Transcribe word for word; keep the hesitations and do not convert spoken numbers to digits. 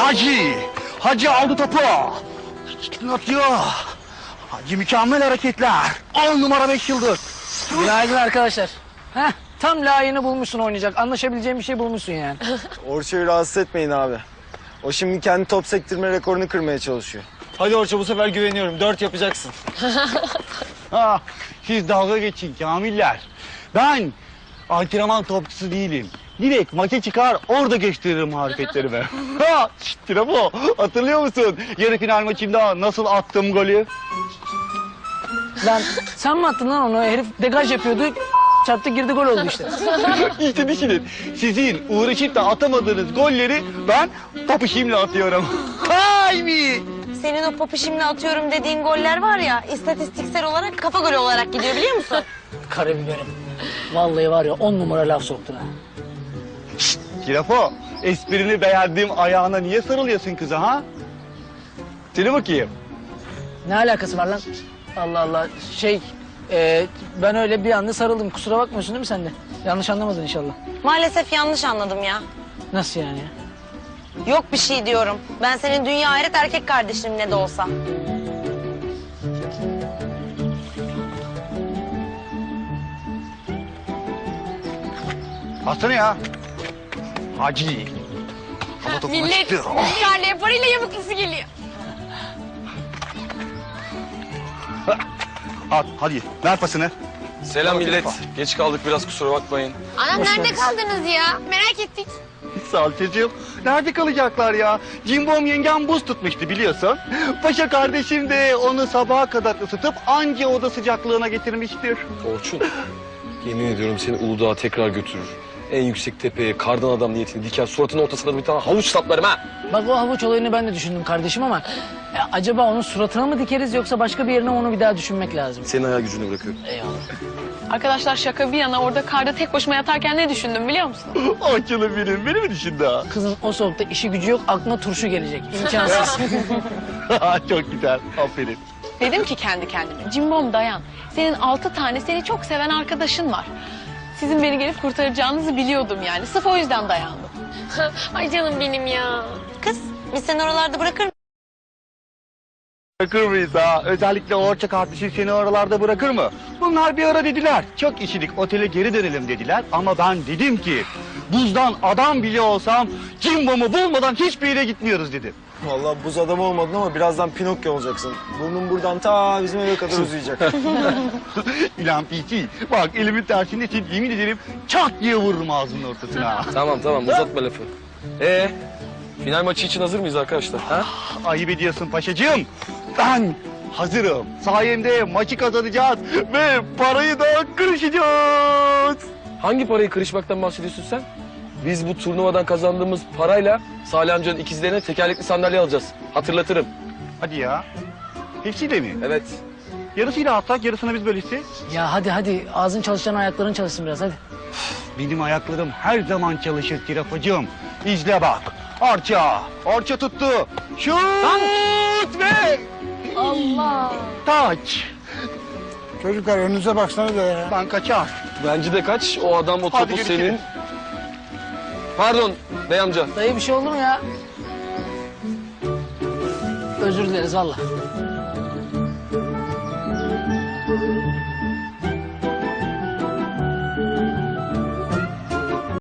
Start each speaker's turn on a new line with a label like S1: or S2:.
S1: Hacı. Hacı aldı topu. Atıyor. Hacı mükemmel hareketler. On numara beş yıldız.
S2: Günaydın arkadaşlar. Heh, tam layığını bulmuşsun oynayacak. Anlaşabileceğin bir şey bulmuşsun yani.
S3: Orça'yı rahatsız etmeyin abi. O şimdi kendi top sektirme rekorunu kırmaya çalışıyor. Hadi Orça, bu sefer güveniyorum. Dört yapacaksın.
S1: Ha, siz dalga geçin Kamiller. Ben antrenman topçusu değilim. Direkt maça çıkar, orada gösteririm hareketlerimi. Ha, şiştire bu. Hatırlıyor musun? Yarı final maçında nasıl attım golü?
S2: Lan sen mi attın lan onu? Herif degaj yapıyordu. Çarptı girdi gol oldu işte.
S1: İşte düşünün. Sizin uğraşıp da atamadığınız golleri ben popişimle atıyorum. Hay mi?
S4: Senin o popişimle atıyorum dediğin goller var ya, istatistiksel olarak kafa golü olarak gidiyor biliyor musun?
S2: Karabiberim. Vallahi var ya on numara laf soktun ha.
S1: Kirafo, esprini beğendiğim ayağına niye sarılıyorsun kıza ha? Seni bakayım.
S2: Ne alakası var lan? Allah Allah. Şey, e, ben öyle bir anda sarıldım. Kusura bakmıyorsun değil mi sen de? Yanlış anlamadın inşallah.
S4: Maalesef yanlış anladım ya.
S2: Nasıl yani ya?
S4: Yok bir şey diyorum. Ben senin dünya hayret erkek kardeşinim ne de olsa.
S1: Atsana ya. Hacı. Hava topuna
S5: Millet
S1: çıktı.
S5: milyarlıya parayla yamuklusu geliyor.
S1: At, hadi ver pasını.
S6: Selam millet. Geç kaldık biraz, kusura bakmayın.
S5: Anam nerede kaldınız ya? Merak ettik.
S1: Sağ ol çocuğum. Nerede kalacaklar ya? Cimbom yengem buz tutmuştu biliyorsun. Paşa kardeşim de onu sabaha kadar ısıtıp anca oda sıcaklığına getirmiştir.
S6: Orçun, yemin ediyorum seni Uludağ'a tekrar götürür. En yüksek tepeye kardan adam niyetini diker, suratının ortasına bir tane havuç saplarım ha.
S2: Bak o havuç olayını ben de düşündüm kardeşim ama... e, acaba onun suratına mı dikeriz yoksa başka bir yerine onu bir daha düşünmek lazım.
S6: Senin hayal gücünü bırakıyorum.
S2: Eyvallah.
S5: Arkadaşlar şaka bir yana orada karda tek başıma yatarken ne düşündüm biliyor musun?
S1: Açılın benim, beni mi düşündü ha?
S2: Kızın o soğukta işi gücü yok, aklına turşu gelecek. İmkansız.
S1: Çok güzel, aferin.
S5: Dedim ki kendi kendime, Cimbom dayan. Senin altı tane seni çok seven arkadaşın var. Sizin beni gelip kurtaracağınızı biliyordum yani. Sırf o yüzden dayandım. Ay canım benim ya.
S4: Kız, biz seni oralarda bırakır mıyız?
S1: Bırakır mıyız ha? Özellikle Orça kardeşim seni oralarda bırakır mı? Bunlar bir ara dediler. Çok işilik, otele geri dönelim dediler. Ama ben dedim ki buzdan adam bile olsam Cimbom'u bulmadan hiçbir yere gitmiyoruz dedim.
S3: Vallahi buz adamı olmadın ama birazdan Pinokyo olacaksın. Burnun buradan ta bizim eve kadar uzayacak.
S1: İlan Piti, bak elimin tersindesin, yemin ederim çat diye vururum ağzının ortasına.
S6: Tamam tamam, uzatma lafı. Ee, final maçı için hazır mıyız arkadaşlar? Ha?
S1: Ayıp ediyorsun paşacığım. Ben hazırım. Sayemde maçı kazanacağız ve parayı da kırışacağız.
S6: Hangi parayı kırışmaktan bahsediyorsun sen? Biz bu turnuvadan kazandığımız parayla Salih amcanın ikizlerine tekerlekli sandalye alacağız. Hatırlatırım.
S1: Hadi ya. Hepsiyle mi?
S6: Evet.
S1: Yarısıyla atsak, yarısını biz bölüşsek.
S2: Ya hadi hadi ağzın çalışan ayakların çalışsın biraz hadi.
S1: Benim ayaklarım her zaman çalışır Kirafacığım. İzle bak. Arça. Arça tuttu. Şut ve
S5: Allah.
S1: taç.
S7: Çocuklar önünüze baksanıza ya.
S1: Ben kaçar.
S6: Bence de kaç. O adam o
S1: Hadi
S6: topu
S1: görüşürüz.
S6: senin. Pardon bey amca.
S2: Dayı bir şey oldu mu ya? Özür dileriz valla.